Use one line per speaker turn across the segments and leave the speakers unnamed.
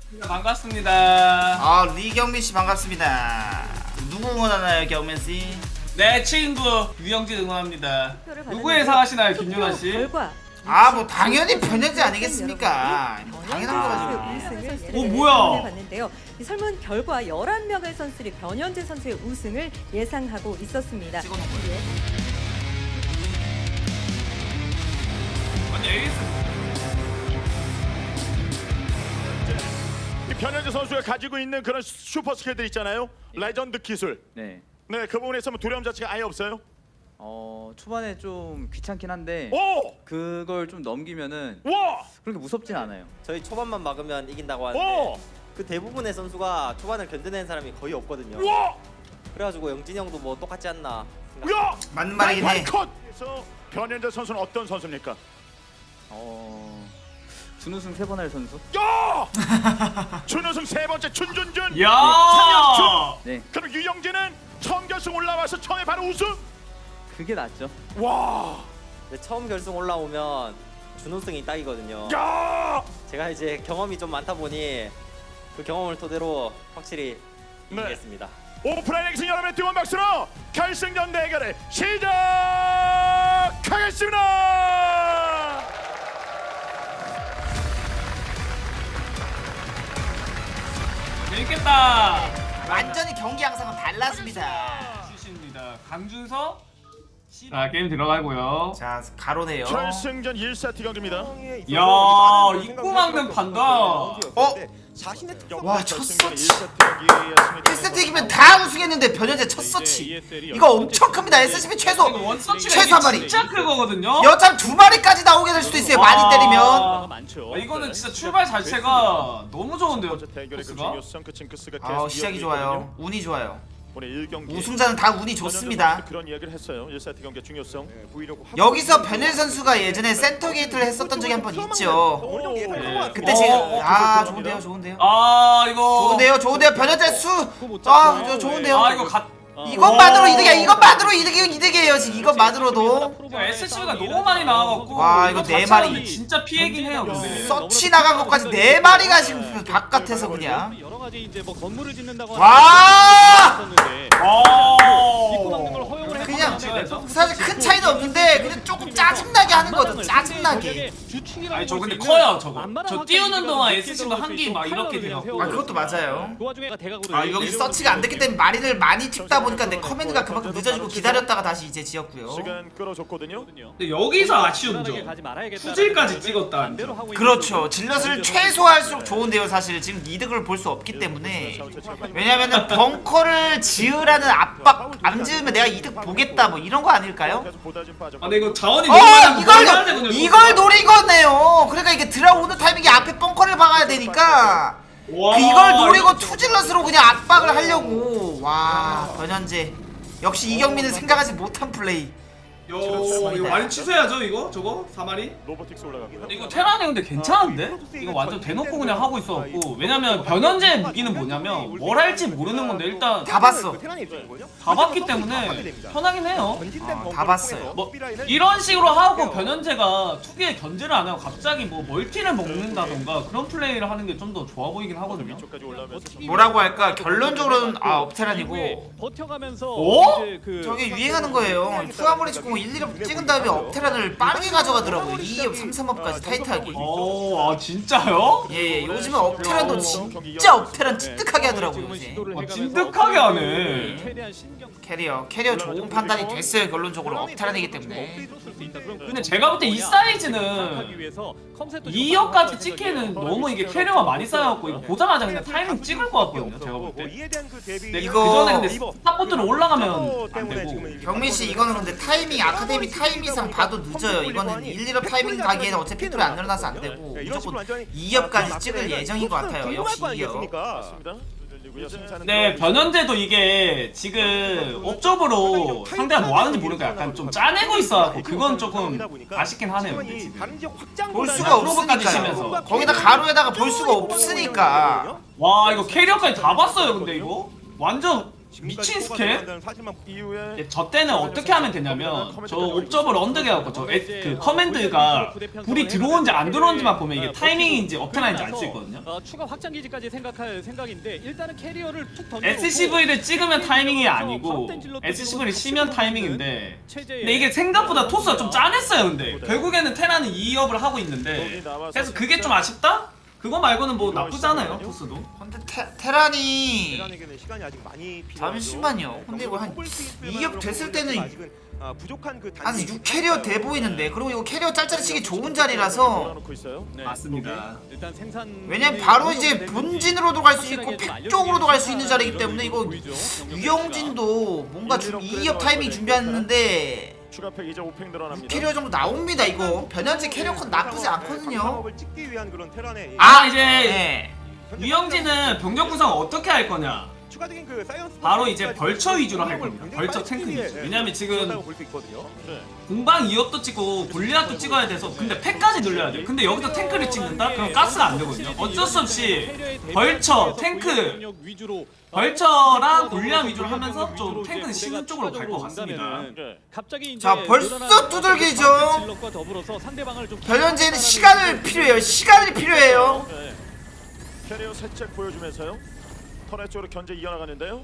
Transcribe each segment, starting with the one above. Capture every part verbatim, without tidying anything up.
반갑습니다.
아 리경민 씨 반갑습니다. 누구 응원하나요, 경민 씨?
내 친구 유영진 응원합니다. 누구 예상하시나요, 김윤아 씨?
결과
아 뭐 당연히 변현재 아니겠습니까? 당연한 거죠.
오, 뭐야?
봤는데요. 이 설문 결과 열한 명의 선수들이 변현재 선수의 우승을 예상하고 있었습니다.
찍어놓은 거예요.
아니 에이스.
이 변현재 선수가 가지고 있는 그런 슈퍼 스킬들 있잖아요. 레전드 기술.
네.
네, 그 부분에서 뭐 두려움 자체가 아예 없어요.
어 초반에 좀 귀찮긴 한데
오!
그걸 좀 넘기면은
와!
그렇게 무섭진 않아요.
저희 초반만 막으면 이긴다고 하는데
오!
그 대부분의 선수가 초반을 견뎌낸 사람이 거의 없거든요.
와!
그래가지고 영진이 형도 뭐 똑같지 않나 생각.
야!
맞는 말이긴 해.
컷에서 변현재 선수는 어떤 선수입니까?
어 준우승 세 번 할 선수?
야! 준우승 세 번째 준준준.
야!
상혁준.
네.
그럼 유영진은 처음 결승 올라와서 처음에 바로 우승.
그게 낫죠.
와!
근데 처음 결승 올라오면 준우승이 딱이거든요.
야!
제가 이제 경험이 좀 많다 보니 그 경험을 토대로 확실히
네.
이기겠습니다.
오프라인 엑스 여러분의 뜨거운 박수로 결승전 대결을 시작하겠습니다.
재밌겠다.
완전히 경기 양상은 달랐습니다.
출신입니다. 강준서. 자 게임 들어가고요.
자 가로네요.
결승전 일 세트 경기입니다.
야 입구 막는 판다.
어? 와, 첫 서치. 일 세트 이기면 다 우승했는데 변현재 첫 서치. 이거 엄청 큽니다. 에스씨비 최소
원서치가
최소 한 마리.
진짜 크거든요.
여참 두 마리까지 나오게 될 수도 있어요. 많이 때리면.
아, 이거는 진짜 출발 자체가 너무 좋은데요.
대결의 그
코스가?
중요성 그 징크스가
아
계속
시작이
이어지고
좋아요.
있거든요.
운이 좋아요.
오늘 일 경기
우승자는 다 운이 좋습니다.
그런 이야기를 했어요. 일 세트 경기의 중요성.
여기서 변현재 선수가 예전에 센터 게이트를 했었던 적이 한 번 있죠.
네.
그때
어,
지금
어,
아 좋은데요, 좋은데요.
아 이거.
좋은데요, 좋은데요. 변현재 수. 아, 저 좋은데요.
아 이거 갓.
이것만으로 이득이야. 이것만으로 이득이 이득이에요. 지금 이것만으로도.
에스씨비가 너무 많이 나와갖고.
와, 이거 네 마리.
자체가 진짜 피해긴 해요. 근데.
서치 나간 것까지 네 마리가 지금 바깥에서 그냥.
여러 가지 이제 뭐 건물을 짓는다고
와!
입구 막는 걸
어.
허용을
그냥
했었는데
사실 큰 차이는 없는데 그냥 조금 짜증나게 하는 거죠. 짜증나게.
아니 저 근데 커요 저거. 저 띄우는 동안 에스씨비가 한 개 막 이렇게 돼갖고.
아 그것도 맞아요.
그 와중에 대각으로
아 여기 서치가 안 됐기 때문에 마린을 많이 찍다 보니까 내 커맨드가 그만큼 늦어지고 기다렸다가 다시 이제 지었고요.
시간 끌어줬거든요.
근데 여기서 아쉬운 점. 투질까지 찍었다.
그렇죠. 질럿을 최소화할수록 좋은데요. 사실 지금 이득을 볼 수 없기 때문에. 왜냐면은 벙커를 지으라는 압박 안 지으면 내가 이득 보겠다 뭐 이런 거 아닐까요?
아 근데 이거 자원이 너무 많아서
어
먹어야
이걸
되거든요,
이걸
이거.
노리거네요. 그러니까 이게 들어오는 타이밍에 앞에 벙커를 박아야 되니까
와,
그 이걸 노리고
이거
투질럿으로 그냥 압박을 하려고. 와 변현재 역시 이경민은 생각하지 못한 플레이.
요 이거 많이 취소해야죠 이거 저거 사마리.
로보틱스 올라가고요.
근데 이거 테란이 근데 괜찮은데? 이거 완전 대놓고 그냥 하고 있어갖고 왜냐면 변현재 무기는 뭐냐면 뭘 할지 모르는 건데 일단
다 봤어.
다 봤기 때문에 편하긴 해요.
어, 다 봤어요.
뭐 이런 식으로 하고 변현재가 투기에 견제를 안 하고 갑자기 뭐 멀티를 먹는다던가 그런 플레이를 하는 게 좀 더 좋아 보이긴 하거든요.
위쪽까지 올라오면서
뭐라고 할까? 결론적으로는 아 업테란이고
버텨가면서
어?
이제 그
저게 유행하는 거예요. 투아모리 찍고 일, 이 업 찍은 다음에 업테란을 빠르게 가져가더라고요. 이 업, 삼, 삼 업까지 타이트하게.
어, 아 진짜요?
예, 예. 요즘은 업테란도 진짜 업테란 찌득하게 하더라고요. 요새.
아, 찐득하게 하네.
최대한 신경
캐리어, 캐리어 좋은 판단이 됐어요. 결론적으로 업테란이기 때문에.
근데 제가 볼 때 이 사이즈는 이 억까지 찍기에는 너무 이게 캐리어가 많이 쌓여갖고 이거 보자마자 그냥 타이밍 찍을 것 같거든요 제가 볼 때. 근데
이거-
그 전에 근데 스타포트로 올라가면 안 되고.
경민 씨 이거는 근데 타이밍 아카데미 타이밍상 봐도 늦어요. 이거는 일, 이 업 타이밍 가기에는 어차피 픽토리 안 늘어나서 안 되고 무조건 이 업까지 찍을 예정인 것 같아요. 역시 이 업.
맞습니다. 생산은
네 변현재도 이게 지금 업적으로 상대가 뭐 하는지 모르니까 약간 좀 짜내고 있어갖고 그건 조금 아쉽긴 하네요 근데 지금.
볼 수가
프로브까지
없으니까요.
치면서.
거기다 가로에다가 볼 수가 없으니까.
와 이거 캐리어까지 다 봤어요 근데 이거 완전 미친 스킬?
이후에
저 때는 어떻게 하면 되냐면 저 옵저버 런드게 갖고 저 그 커맨드가 불이 들어온지 안 들어온지만 보면 이게 타이밍인지 어떻게나인지 알 수 있거든요.
어, 추가 확장 기지까지 생각할 생각인데 일단은 캐리어를 툭 던져.
에스씨브이를 찍으면 타이밍이 아니고 에스씨브이를 치면 타이밍인데 근데 이게 생각보다 토스가 좀 짠했어요. 근데 결국에는 테라는 이 업을 하고 있는데 그래서 그게 좀 아쉽다? 그거 말고는 뭐 나쁘지 않아요 토스도.
근데 테, 테란이
테란에게는 시간이 아직 많이 필요하죠.
잠시만요. 근데 이거 한 이 업 됐을 때는
아직은, 아, 부족한 그
한 육 캐리어 돼 보이는데, 그리고 이거 캐리어 짤짤이 치기 좋은 자리라서
놓고 있어요.
네,
맞습니다.
일단 생산.
왜냐면 바로 이제 본진으로도 갈 수 있고 팩 쪽으로도 갈 수 있는 자리이기 때문에 이거 유영진도 뭔가 좀 이 업 타이밍 준비했는데
추가 팩 이제 오팽 늘어납니다.
육 캐리어 정도 나옵니다. 이거 변현재 캐리어 컷 나쁘지 않거든요.
상업을 찍기 위한 그런 테란의
아 이제
네.
유영진은 병력 구성 어떻게 할 거냐?
추가적인 그 사이언스
바로 이제 벌처 위주로 할 겁니다. 벌처 탱크 위주. 왜냐면 지금
볼수 있거든요.
네.
공방 이 업도 찍고 골리앗도 찍어야 돼서 근데 팩까지 늘려야 돼요. 근데 여기서 탱크를 찍는다? 그럼 가스가 안 되거든요. 어쩔 수 없이 벌처, 탱크, 벌처랑 골리앗 위주로 하면서 좀 탱크는 쉬는 쪽으로 갈 것 같습니다.
네.
갑자기 이제
자, 벌써
늘어나는
두들기죠.
질럿과 더불어서 상대방을 좀
변현재는 시간을 필요해요. 시간이 필요해요.
네. 캐리어 살짝 보여주면서요. 터널 쪽으로 견제 이어나가는데요.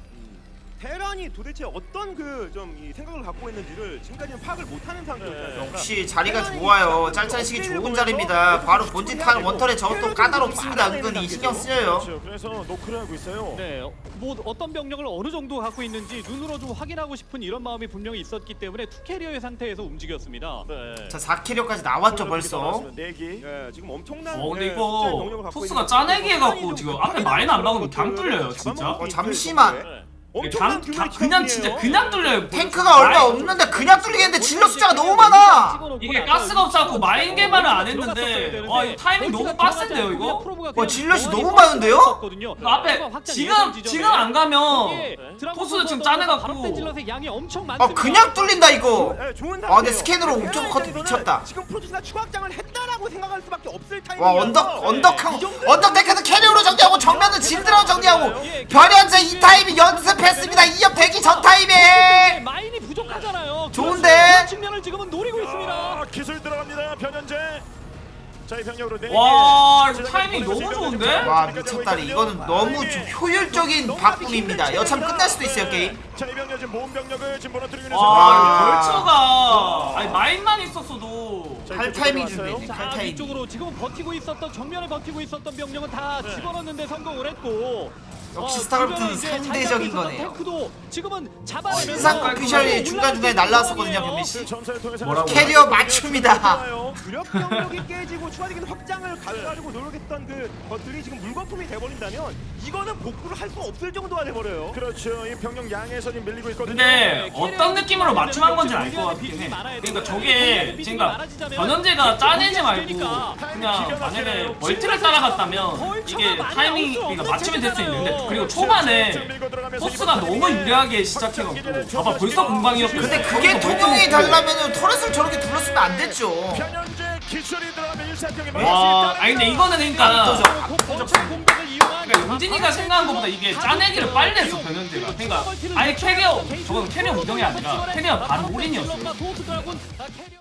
테란이 도대체 어떤 그 좀 이 생각을 갖고 있는지를 지금까지는 파악을 못하는 상태였잖아요.
역시 자리가 좋아요. 짤짤이 치기 좋은 자리입니다. 바로 본진 타는 원털에 저것도 까다롭습니다. 은근히 신경 쓰여요.
그렇죠. 그래서 노크를 하고 있어요.
네, 뭐 어떤 병력을 어느 정도 갖고 있는지 눈으로 좀 확인하고 싶은 이런 마음이 분명히 있었기 때문에 투 캐리어의 상태에서 움직였습니다.
네.
자, 사 캐리어까지 나왔죠 벌써.
내기.
네, 지금 엄청난
어 근데
네, 숫자의 병력을
이거
갖고
토스가
있는
짜내기 해갖고
테란이
지금
좀
앞에 마인 안 막으면
것들을
강 뚫려요 진짜.
잡아먹고
어,
있는
잠시만.
정도의
강,
엄청난
강,
규모의
그냥
추격이에요.
진짜 그냥 뚫려요.
탱크가 얼마 없는데 그냥 뚫리겠는데 질러 숫자가 너무 많아.
이게 가스가 없어갖고 마인 개발을 안 했는데 와 이거 타이밍 너무 빡센데요 이거?
와, 질럿이 너무 많은데요?
그 앞에 지금 지금 안 가면 토스도 지금 짜내갖고
아, 그냥 뚫린다 이거.
네, 좋은
아, 근데
상태예요.
스캔으로 옥점
테란
커트
입장에서는
미쳤다.
지금 프로토스가 추가 확장을 했다라고 생각할 수밖에 없을
와,
타이밍이어서
언덕
네.
언덕한
이 정도면
언덕 탱크는 캐리어로 정리하고 정면은 질드라로 정리하고 변현재 이 타이밍 연습했습니다. 이 업 대기 전 타이밍.
마인이 부족하잖아요.
좋은데?
그런 측면을 지금은 노리고 있습니다.
아, 기술 들어갑니다. 변현재. 자, 이 병력으로 내기.
와 이거 타이밍 너무 좋은데?
와, 미쳤다리. 이거는 너무 좀 효율적인 바꿈입니다. 여참 끝날 수도 있어요 게임.
자, 이 병력 지금 모험 병력을 지금 무너뜨리고 있는
와
와.
벌처가 아니 마인만 있었어도
할 타이밍 준비네. 할
자,
타이밍.
이쪽으로 지금 버티고 있었던 정면에 버티고 있었던 병력은 다 집어넣는데 성공을 했고
역시
어,
스타크래프트는
주변에 이제
상대적인
잘
거네요.
탱크도 지금은 잡아내면서
신상 오피셜이 중간중간에 날라왔었거든요 변민 씨.
그 전사를 통해서
뭐라고요?
캐리어 맞춥니다.
주력 병력이 깨지고 추가적인 확장을 가져가려고 노력했던 그 것들이 지금 물거품이 돼버린다면 이거는 복구를 할 수 없을 정도가 돼버려요.
그렇죠. 이 병력 양에서 지금 밀리고 있거든요.
근데 어떤 느낌으로 맞춤한 건지 알 것 같긴 해. 그러니까 저게 그러니까 변현재가 짜내지 말고 그냥 만약에 멀티를 따라갔다면 이게 타이밍 그러니까 맞춤이 될 수 있는데 그리고 초반에 토스가 너무 유리하게 시작해갖고 봐봐 벌써 공방이었고
근데 그게 통용이 달라면은 터렛을 저렇게 둘렀으면 안 됐죠.
변현재 기술이 들어가면 일사병에
와 아니 근데 이거는 그러니까
공격을 이용한
그러니까 용진이가 생각한 것보다 이게 짜내기를 빨리 했어 변현재가. 그러니까 아예 캐리어 저건 캐리어 무정이 아니라 캐리어 반 올인이었어.
아, 캐리어